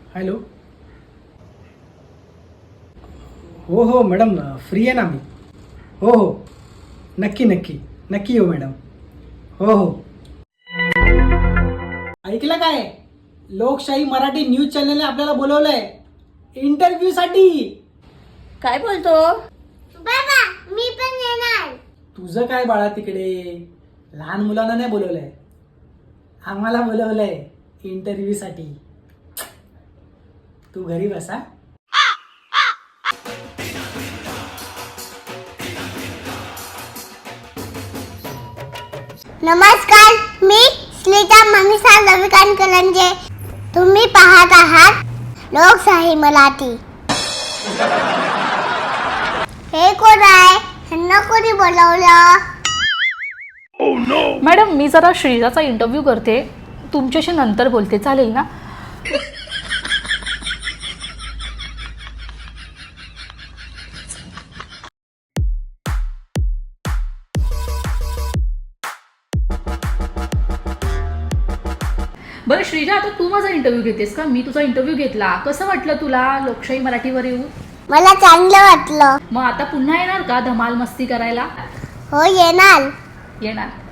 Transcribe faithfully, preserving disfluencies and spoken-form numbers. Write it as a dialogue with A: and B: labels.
A: Hello. हो हो madam, free आहे ना मी. हो हो, नक्की नक्की नक्की येऊ मॅडम. हो हो. ऐकलं काय? लोकशाही मराठी न्यूज चॅनलने आपल्याला बोलवलंय इंटरव्ह्यू साठी.
B: काय बोलतो?
C: बाबा मी पण येणार.
A: तुझं काय बाळा तिकडे? लहान मुलांना नाही बोलवलंय, आम्हाला बोलवलंय इंटरव्ह्यू साठी. तू घरी बसा.
C: नमस्कार, मी स्मिता मनीषा रविकांत कलंजे. तुम्ही पाहत आहात लोकशाही मराठी. हे कोण आहे? ह्यांना कोणी बोलवलं?
B: मॅडम, मी जरा श्रीजाचा इंटरव्ह्यू करते, तुमच्याशी नंतर बोलते, चालेल ना? बरं श्रीजा, आता तू माझा इंटरव्ह्यू घेतेस का? मी तुझा इंटरव्ह्यू घेतला, कसं वाटलं तुला लोकशाही मराठीवर येऊ?
C: मला चांगलं वाटलं.
B: मग आता पुन्हा येणार का धमाल मस्ती करायला?
C: हो येणार.
B: येणार.